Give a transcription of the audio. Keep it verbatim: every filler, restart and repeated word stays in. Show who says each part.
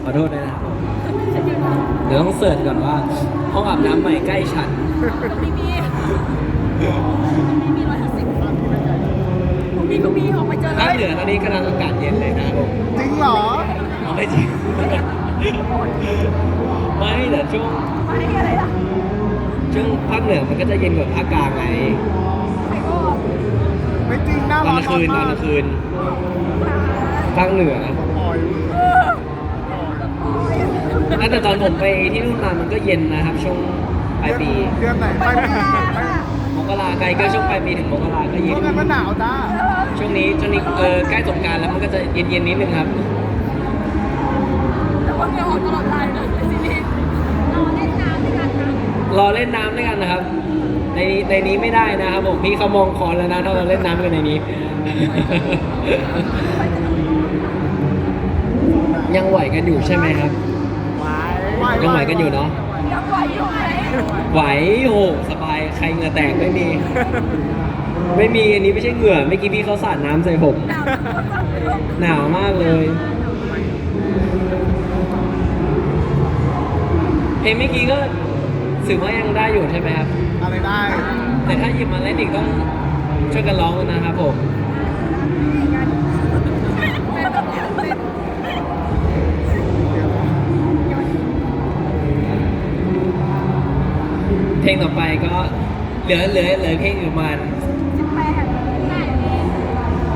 Speaker 1: ขอโทษด้วยนะครับเดี๋ยวต้องเสิร์ชก่อนว่าห้องอาบน้ำใหม่ใกล้ฉัน
Speaker 2: มีมีมีร้อยห้าสิบผมมีก็มีออกไปเจอเล
Speaker 1: ภาคเหนือตอนนี้กำลังอากาศเย็นเลยนะครับผม
Speaker 3: จริงเหรอ
Speaker 1: เอาไม่จริงไม่แต่ช่วง
Speaker 2: ไม่อะไรล่ะ
Speaker 1: ช่วงภาคเหนือมันก็จะเย็นกว่าภาคกลางไง
Speaker 2: ใครก็
Speaker 3: ไม่จริงหน้า
Speaker 1: ต
Speaker 3: ร้
Speaker 1: อ
Speaker 3: อน น
Speaker 1: กลางคืนต
Speaker 3: มา
Speaker 1: อน
Speaker 3: ก
Speaker 1: กลางคืนภาคเหนือ
Speaker 3: ปล่อย
Speaker 1: แล้วแต่ตอนผมไปที่นู่นมามันก็เย็นนะครับ ช่วงปลายปี
Speaker 3: เดือนไหนปลายปีไม่
Speaker 1: มกราไกลก็ช่วงปลายปีถึงมกราก็เย็
Speaker 3: เพ
Speaker 1: น
Speaker 3: ราะงั้นมันหนาวจ้า
Speaker 1: ช่วงนี้ช่วงนี้เออใกล้สงกรานต์แล้วมันก็จะเย็นเย็นๆนิดนึงครับ
Speaker 2: แต่ว่าเงาออกตลอดเลยนะซีรีส์เราเล่นน้ำด้วยกันนะ
Speaker 1: รอเล่นน้ำด้วยกันนะครับ ในในนี้ไม่ได้นะครับผมพี่เขามองคอนแล้วนะถ้าเราเล่นน้ำกันในนี้ ยังไหวกันอยู่ใช่ไหมครับ
Speaker 3: ไหว
Speaker 1: ยังไหวกันอยู่เนาะ
Speaker 2: ยังไหวอยู่ไหม
Speaker 1: ไหวโหสบายใครเหงื่อแตกไม่มี ไม่มีอันนี้ไม่ใช่เหงื่อเมื่อกี้พี่เขาสาดน้ำใส่ผม หนาวมากเลย เพลงเมื่อกี้ก็ถือว่ายังได้อยู่ใช่ไหมครับ
Speaker 3: อะไรได้
Speaker 1: แต่ถ้าหยิบมาเล่นอีกต้องช่วยกันร้องนะครับผม เพลงต่อไปก็เหลือเหลือเหลือเพลงอยู่ประมาณ